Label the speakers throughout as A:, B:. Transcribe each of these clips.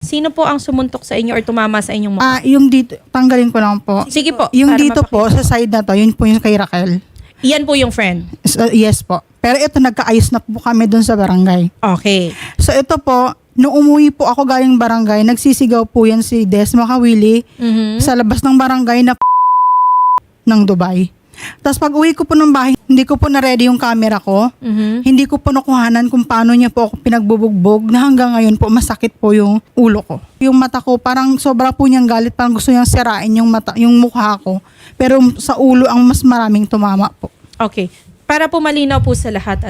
A: Sino po ang sumuntok sa inyo or tumama sa inyong mukha?
B: Yung dito, tanggalin ko lang po.
A: Sige po.
B: Yung
A: para
B: dito po, sa side na to, yun po yung kay Raquel.
A: Yan po yung friend.
B: Yes po. Pero ito, nagkaayos na po kami dun sa barangay.
A: Okay.
B: So ito po, nung umuwi po ako galing barangay, nagsisigaw po yan si Des Makawili sa labas ng barangay na ng Dubai. Tapos pag uwi ko po ng bahay, hindi ko po na-ready yung camera ko. Hindi ko po nakuhanan kung paano niya po ako pinagbubugbog na hanggang ngayon po masakit po yung ulo ko. Yung mata ko, parang sobra po niyang galit, parang gusto niyang sirain yung mata, yung mukha ko. Pero sa ulo ang mas maraming tumama po.
A: Okay. Para po malinaw po sa lahat,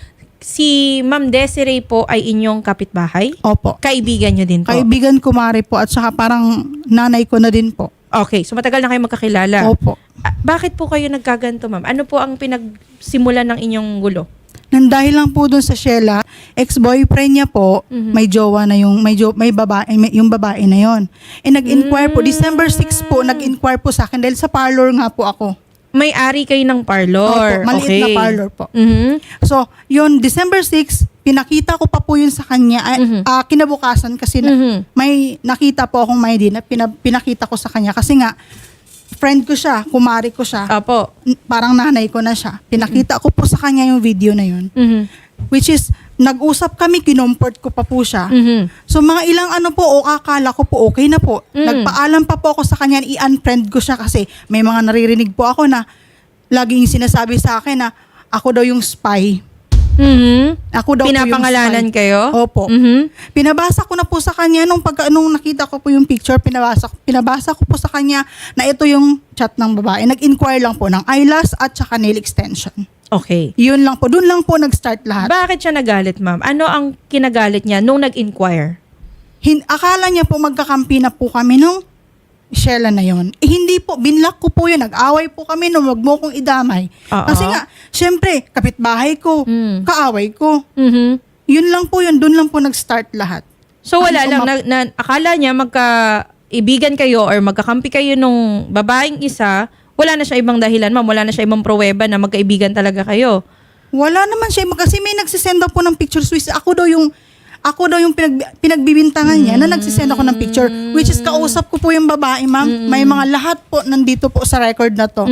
A: si Ma'am Desiree po ay inyong kapitbahay?
B: Opo.
A: Kaibigan niyo din po?
B: Kaibigan kumare po at saka parang nanay ko na din po.
A: Okay. So matagal na kayo magkakilala?
B: Opo.
A: Bakit po kayo nagkaganto, ma'am? Ano po ang pinagsimulan ng inyong gulo?
B: Nandahil lang po dun sa Sheila, ex-boyfriend niya po, may jowa na may babae, yung babae na yon. Nag-inquire po, December 6 po, nag-inquire po sa akin dahil sa parlor nga po ako.
A: May-ari kayo ng parlor.
B: Opo, maliit na parlor po. So, yun, December 6, pinakita ko pa po yun sa kanya, kinabukasan kasi may nakita po akong may din, pinakita ko sa kanya kasi nga, friend ko siya, kumari ko siya.
A: Opo.
B: Parang nanay ko na siya. Pinakita ko po sa kanya yung video na yun. Which is, nag-usap kami, kinomport ko pa po siya. So mga ilang akala ko po okay na po. Nagpaalam pa po ako sa kanya, i-unfriend ko siya kasi may mga naririnig po ako na laging sinasabi sa akin na ako daw yung spy. Ako daw
A: Pinapangalanan
B: po yung spy.
A: kayo?
B: Opo. Pinabasa ko na po sa kanya nung nakita ko po yung picture, pinabasa ko po sa kanya na ito yung chat ng babae. Nag-inquire lang po ng eyelash at saka nail extension.
A: Okay.
B: Yun lang po. Doon lang po nag-start lahat.
A: Bakit siya nagalit, ma'am? Ano ang kinagalit niya nung nag-inquire?
B: Akala niya po magkakampi na po kami nung Sheila na yon. Hindi po, binlock ko po yun. Nag-away po kami nung wag mo kong idamay. Kasi nga, syempre, kapitbahay ko, kaaway ko. Yun lang po yun. Doon lang po nag-start lahat.
A: So wala lang, akala niya magkaibigan kayo or magkakampi kayo nung babaeng isa, wala na siya ibang dahilan, ma'am. Wala na siya ibang pruweba na magkaibigan talaga kayo.
B: Wala naman siya. Kasi may nagsisend daw po ng pictures. Ako daw yung pinagbibintangan niya na nagsisend ako ng picture. Which is, kausap ko po yung babae, ma'am. May mga lahat po nandito po sa record na to.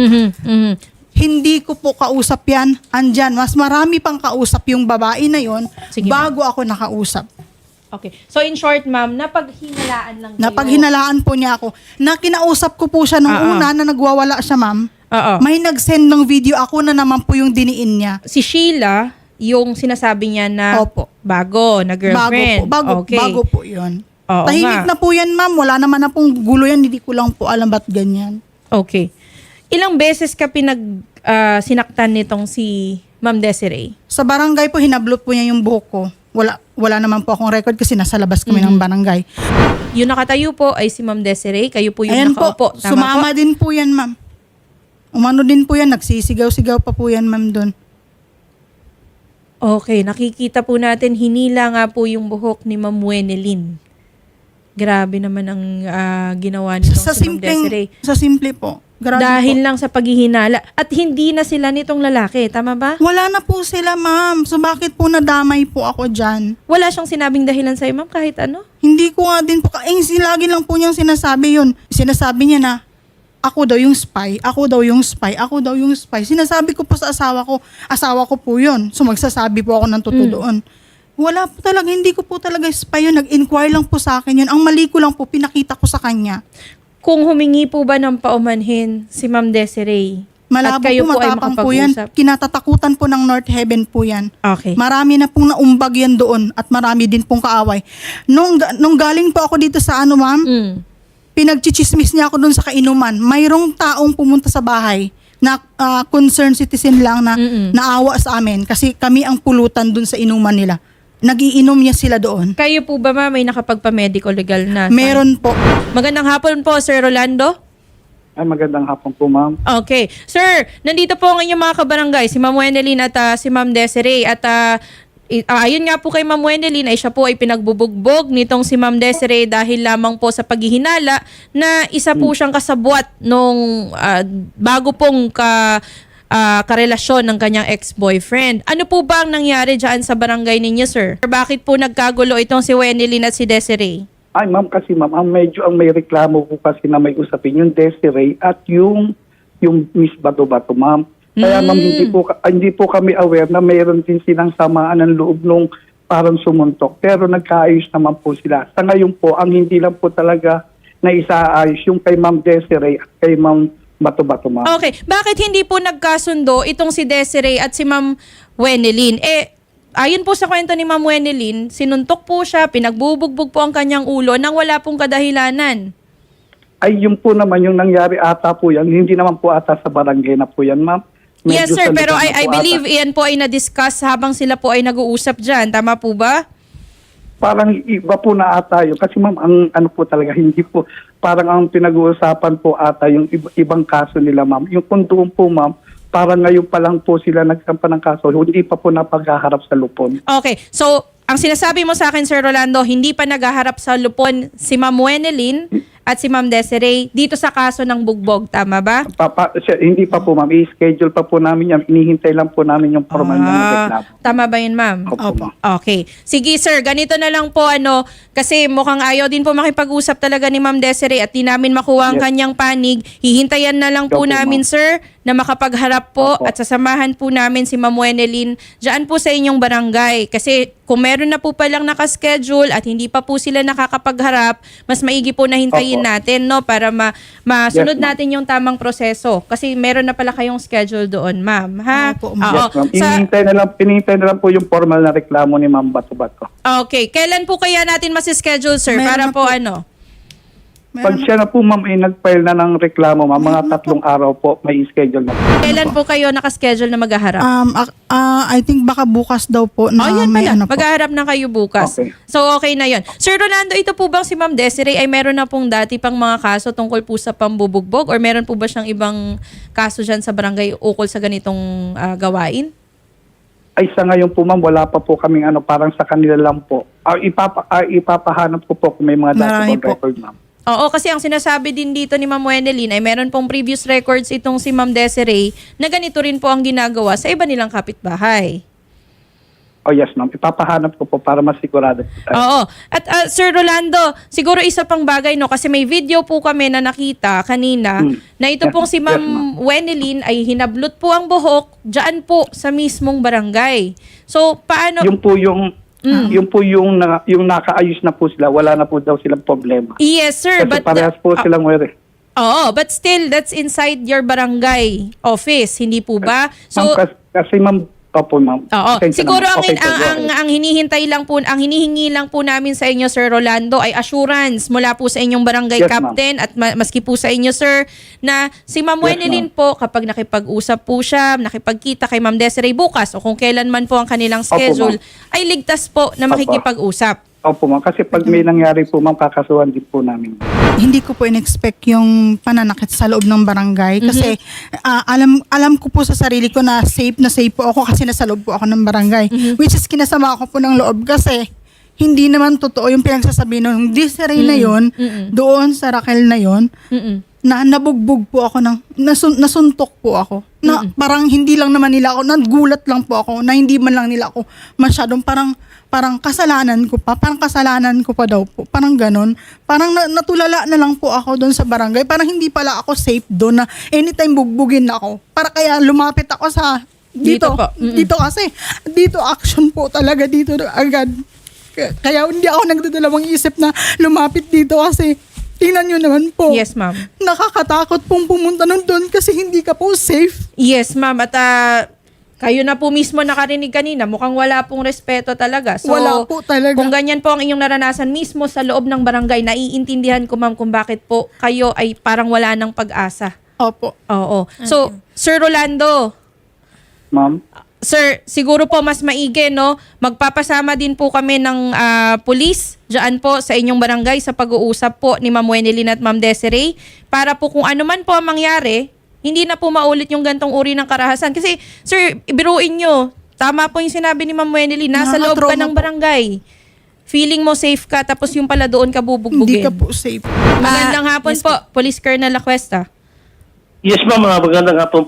B: Hindi ko po kausap yan. Andyan, mas marami pang kausap yung babae na yon bago ako nakausap.
A: Okay. So in short, ma'am, napaghinalaan lang kayo.
B: Napaghinalaan po niya ako. Na kinausap ko po siya nung una na nagwawala siya, ma'am. May nag-send ng video, ako na naman po yung diniin niya.
A: Si Sheila, yung sinasabi niya na
B: Opo.
A: bago, na girlfriend.
B: Bago po yun.
A: Oo
B: Tahimik
A: nga.
B: na po yan, ma'am. Wala naman na pong gulo yan. Hindi ko lang po alam ba't ganyan.
A: Okay. Ilang beses ka sinaktan nitong si Ma'am Desiree?
B: Sa barangay po, hinablot po niya yung buhok ko. Wala naman po akong record kasi nasa labas kami ng barangay.
A: Yung nakatayo po ay si Ma'am Desiree. Kayo po yung
B: Ayan
A: nakaupo.
B: po,
A: Tama
B: sumama
A: po?
B: din po yan, ma'am. Umano din po yan. Nagsisigaw-sigaw pa po yan, ma'am, doon.
A: Okay, nakikita po natin, hinila nga po yung buhok ni Ma'am Wenelin. Grabe naman ang ginawa nitong si Ma'am Desiree.
B: Sa simple po. Grabe
A: Dahil
B: po.
A: lang sa paghihinala. At hindi na sila nitong lalaki, tama ba?
B: Wala na po sila, ma'am. So bakit po nadamay po ako dyan?
A: Wala siyang sinabing dahilan sa'yo, ma'am, kahit ano?
B: Hindi ko nga din po. Lagi lang po niyang sinasabi yun. Sinasabi niya na, ako daw yung spy, ako daw yung spy, ako daw yung spy. Sinasabi ko po sa asawa ko po yun. So magsasabi po ako ng totoo doon. Wala po talaga, hindi ko po talaga spy yun. Nag-inquire lang po sa akin yun. Ang mali ko lang po, pinakita ko sa kanya.
A: Kung humingi po ba ng paumanhin si Ma'am Desiree?
B: Malabo
A: at kayo
B: po,
A: ay
B: matapang po yan.
A: makapag-usap?
B: Kinatatakutan po ng North Heaven po yan.
A: Okay.
B: Marami na pong naumbag yan doon at marami din pong kaaway. Nung galing po ako dito sa ma'am, pinagchichismis niya ako doon sa kainuman. Mayroong taong pumunta sa bahay na concerned citizen lang na naawa sa amin kasi kami ang pulutan doon sa inuman nila. Nagiinom niya sila doon.
A: Kayo po ba, ma'am, may nakapagpa-medical legal na?
B: Meron po.
A: Magandang hapon po, Sir Rolando.
C: Ay, magandang hapon po, ma'am.
A: Okay. Sir, nandito po ang inyong mga kabarangay, si Ma'am Wenelin at si Ma'am Desiree. At ayun nga po kay Ma'am Wenelin ay siya po ay pinagbubugbog nitong si Ma'am Desiree dahil lamang po sa paghihinala na isa po siyang kasabwat nung bago pong karelasyon ng kanyang ex-boyfriend. Ano po ba ang nangyari dyan sa barangay ninyo, sir? Bakit po nagkagulo itong si Wenelin at si Desiree?
C: Ay, ma'am, kasi ma'am, ang may reklamo po kasi na may usapin yung Desiree at yung Miss Bato-Bato, ma'am. Kaya ma'am, hindi po kami aware na mayroon din silang samaan ng loob nung parang sumuntok. Pero nagkaayos naman po sila. Sa ngayon po, ang hindi lang po talaga na isaayos yung kay Ma'am Desiree at kay Ma'am Bato-Bato, ma'am.
A: Okay. Bakit hindi po nagkasundo itong si Desiree at si Ma'am Wenelin? Ayon po sa kwento ni Ma'am Wenelin, sinuntok po siya, pinagbubugbog po ang kanyang ulo nang wala pong kadahilanan.
C: Ay, yun po naman yung nangyari ata po yan. Hindi naman po ata sa barangay na po yan, ma'am.
A: Yes,
C: Medyo
A: sir.
C: sa
A: Pero
C: likod na
A: I
C: po
A: believe
C: ata.
A: iyan po ay na-discuss habang sila po ay nag-uusap dyan. Tama po ba?
C: Parang iba po na ata yun. Kasi ma'am, ang ano po talaga, hindi po, parang ang pinag-uusapan po ata yung ibang kaso nila, ma'am. Yung kung doon po, ma'am, parang ngayon pa lang po sila nagsampa ng kaso, hindi pa po napaghaharap sa lupon.
A: Okay. So, ang sinasabi mo sa akin, Sir Rolando, hindi pa naghaharap sa lupon si Ma'am Wenelin at si Ma'am Desiree dito sa kaso ng bugbog. Tama ba?
C: Hindi pa po, ma'am. I-schedule pa po namin yan. Inihintay lang po namin yung formal na reklamo.
A: Tama ba yun, ma'am?
C: Opo, ma'am.
A: Okay. Sige, sir. Ganito na lang po, kasi mukhang ayaw din po makipag-usap talaga ni Ma'am Desiree at di namin makuha ang
C: Yes.
A: kanyang panig. Hihintayan na lang po
C: Opo,
A: namin,
C: ma'am.
A: sir, na makapagharap po
C: Opo.
A: at sasamahan po namin si Ma'am Wenelin dyan po sa inyong barangay. Kasi kung meron na po palang nakaschedule at hindi pa po sila nakakapagharap, mas maigi po na hintayin
C: Opo.
A: natin, no? Para masunod
C: Yes, ma'am.
A: natin yung tamang proseso. Kasi meron na pala kayong schedule doon, ma'am. Ha?
B: Opo, ma'am.
C: Yes, ma'am.
A: Sa-
C: Inihintay na lang po yung formal na reklamo ni Ma'am Bato-Bato.
A: Okay. Kailan po kaya natin masischedule, sir?
B: Meron
A: Para
B: na
A: po
B: po.
C: Pag siya na po, ma'am, ay nag-file na ng reklamo, ma'am, mga 3 araw po, may schedule na po.
A: Kailan po kayo nakaschedule na maghaharap?
B: I think baka bukas daw po na
A: yan
B: may
A: pala.
B: ano po.
A: Maghaharap na kayo bukas.
C: Okay.
A: So, okay na yon. Sir Rolando, ito po bang si Ma'am Desiree ay meron na pong dati pang mga kaso tungkol po sa pambubugbog or meron po ba siyang ibang kaso dyan sa barangay ukol sa ganitong gawain?
C: Ay, sa ngayon po, ma'am, wala pa po kaming parang sa kanila lang po. Ipapahanap ko po kung may mga
B: Marami
C: dati
B: po.
C: record, ma'am.
A: Oo, kasi ang sinasabi din dito ni Ma'am Wenelin ay meron pong previous records itong si Ma'am Desiree na ganito rin po ang ginagawa sa iba nilang kapitbahay.
C: Oh, yes, ma'am. Ipapahanap ko po para masigurado.
A: Oo. At Sir Rolando, siguro isa pang bagay, no, kasi may video po kami na nakita kanina na ito
C: Yes,
A: pong si
C: yes,
A: Ma'am
C: ma'am.
A: Wenelin ay hinablot po ang buhok dyan po sa mismong barangay. So, paano?
C: Yung po yung nakaayos na po sila, wala na po daw silang problema.
A: Yes, sir.
C: Kasi
A: But
C: parehas po silang were.
A: Oo, but still, that's inside your barangay office, hindi po ba? So,
C: Ma'am, kasi ma'am, opo, ma'am.
A: oo.
C: Pasensya
A: Siguro
C: naman. Okay po, go ahead.
A: ang hinihintay lang po, ang hinihingi lang po namin sa inyo, Sir Rolando, ay assurance mula po sa inyong barangay
C: Yes,
A: captain at maski po sa inyo, sir, na si Ma'am
C: Yes,
A: Wenelin po, kapag nakipag-usap po siya, nakipagkita kay Ma'am Desiree bukas o kung kailan man po ang kanilang
C: Opo,
A: schedule,
C: ma'am.
A: ay ligtas po na
C: Opo.
A: makikipag-usap.
C: Opo, ma'am. Kasi pag may nangyari po, ma'am, kakasuhan din po namin.
B: Hindi ko po in-expect yung pananakit sa loob ng barangay kasi alam ko po sa sarili ko na safe po ako kasi nasa loob po ako ng barangay. Which is kinasama ko po ng loob kasi hindi naman totoo yung pinagsasabi ng Desiree na yon doon sa Raquel na yon na nabugbog po ako nasuntok po ako. Na parang hindi lang naman nila ako, nagulat lang po ako na hindi man lang nila ako masyadong parang kasalanan ko pa daw po. Parang ganon. Parang natulala na lang po ako doon sa barangay. Parang hindi pala ako safe doon na anytime bugbugin ako. Para kaya lumapit ako sa
A: Dito
B: dito.
A: po.
B: Dito kasi, dito action po talaga dito agad. Kaya hindi ako nagdadalawang isip na lumapit dito kasi tingnan nyo naman po.
A: Yes, ma'am.
B: Nakakatakot pong pumunta nun doon kasi hindi ka po safe.
A: Yes, ma'am. At kayo na po mismo nakarinig kanina, mukhang wala pong respeto talaga. So,
B: Wala po talaga.
A: Kung ganyan po ang inyong naranasan mismo sa loob ng barangay, naiintindihan ko, ma'am, kung bakit po kayo ay parang wala ng pag-asa.
B: Opo.
A: Oo. So, Sir Rolando,
C: Ma'am?
A: sir, siguro po mas maigi, no? Magpapasama din po kami ng pulis dyan po sa inyong barangay sa pag-uusap po ni Ma'am Wenelin at Ma'am Desiree para po kung ano man po ang mangyari, hindi na po maulit yung gantong uri ng karahasan. Kasi, sir, ibiruin nyo, tama po yung sinabi ni Ma'am Wenelin, nasa loob ka
B: Nakaka-trauma
A: ng
B: po.
A: barangay. Feeling mo safe ka, tapos yung pala doon ka bubugbugin.
B: Hindi ka po safe.
A: Magandang hapon po, Police Colonel La Cuesta.
D: Yes, ma'am. Magandang hapon po.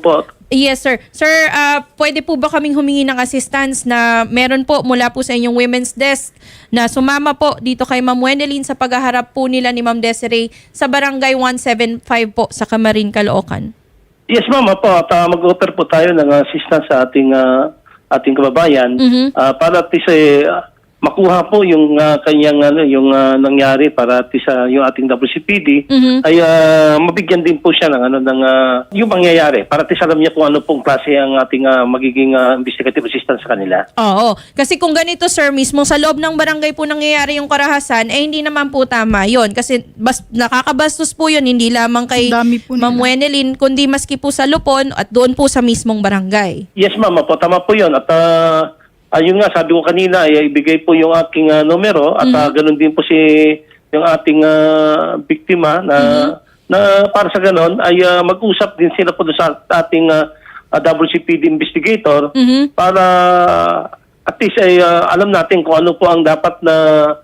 A: Yes, sir. Sir, pwede po ba kaming humingi ng assistance na meron po mula po sa inyong women's desk na sumama po dito kay Ma'am Wendelin sa paghaharap po nila ni Ma'am Desiree sa Barangay 175 po sa Camarin, Caloocan?
D: Yes, ma'am. Opo, at mag-offer po tayo ng assistance sa ating kababayan para at least makuha po yung kanyang yung nangyari para at least yung ating WCPD ay mabigyan din po siya ng yung mangyayari para at least alam niya kung ano pong klase ang ating magiging investigative assistance sa kanila.
A: Oo. Kasi kung ganito, sir, mismo sa loob ng barangay po nangyayari yung karahasan, hindi naman po tama yon. Kasi nakakabastos po yun, hindi lamang kay
B: Ang dami po nila.
A: Ma'am Wendelin, kundi maski po sa Lupon at doon po sa mismong barangay.
D: Yes, ma'am. Opo, tama po yun. At ayun nga, sabi ko kanina, ay ibigay po yung aking numero at ganun din po yung ating biktima na para sa ganun ay mag-usap din sila po doon sa ating WCPD investigator para at least ay alam natin kung ano po ang dapat na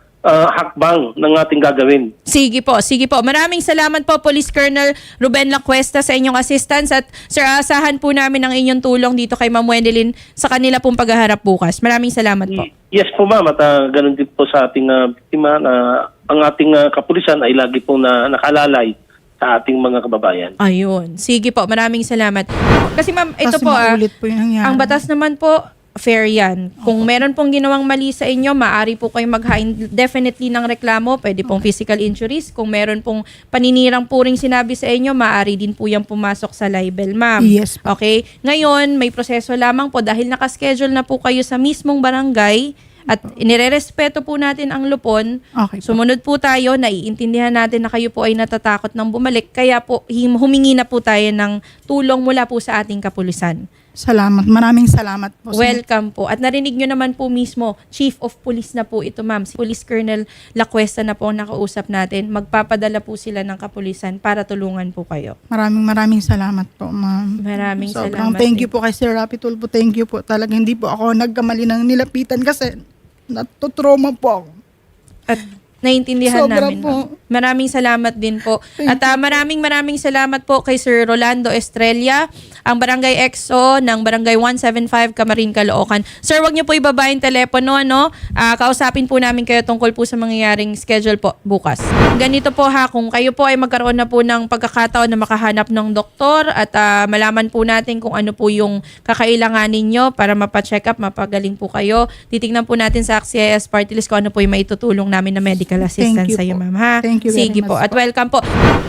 D: hakbang ng ating gagawin.
A: Sige po, sige po. Maraming salamat po, Police Colonel Ruben Lacuesta, sa inyong assistance. At sir, asahan po namin ang inyong tulong dito kay Ma'am Wendelin sa kanila pong paghaharap bukas. Maraming salamat po.
D: Yes po, ma'am. At ganun din po sa ating biktima na ang ating kapulisan ay lagi po na nakalalay sa ating mga kababayan.
A: Ayun. Sige po, maraming salamat. Kasi ma'am, ito
B: Kasi
A: po
B: maulit po yung nangyari.
A: ang batas naman po, fair yan. Kung meron pong ginawang mali sa inyo, maaari po kayong maghain definitely ng reklamo. Pwede pong physical injuries. Kung meron pong paninirang puring sinabi sa inyo, maaari din po yung pumasok sa libel, ma'am.
B: Yes po.
A: Okay? Ngayon, may proseso lamang po dahil nakaschedule na po kayo sa mismong barangay at inirerespeto po natin ang lupon.
B: Okay po.
A: Sumunod po tayo, naiintindihan natin na kayo po ay natatakot ng bumalik. Kaya po, humingi na po tayo ng tulong mula po sa ating kapulisan.
B: Salamat. Maraming salamat po.
A: Welcome po. At narinig nyo naman po mismo, Chief of Police na po ito, ma'am. Si Police Colonel Lacuesta na po ang nakausap natin. Magpapadala po sila ng kapulisan para tulungan po kayo.
B: Maraming salamat po, ma'am.
A: Maraming
B: Sobrang
A: salamat.
B: thank you po kay Sir Rapi Tulfo. Thank you po. Talaga hindi po ako nagkamali ng nilapitan kasi natutrauma po ako.
A: At naiintindihan
B: Sobra
A: namin.
B: po.
A: Ma'am. Maraming salamat din po. At maraming salamat po kay Sir Rolando Estrella, ang Barangay EXO ng Barangay 175 Camarin, Caloocan. Sir, wag niyo po ibaba yung telepono, ano? Kausapin po namin kayo tungkol po sa mangyayaring schedule po bukas. Ganito po ha, kung kayo po ay magkaroon na po ng pagkakataon na makahanap ng doktor at malaman po natin kung ano po yung kakailanganin nyo para mapacheck up, mapagaling po kayo. Titignan po natin sa AXIS Party List kung ano po yung maitutulong namin na medical assistance
B: you
A: sa iyo,
B: po.
A: ma'am, ha?
B: Thank you very
A: Sige po.
B: much
A: At welcome po.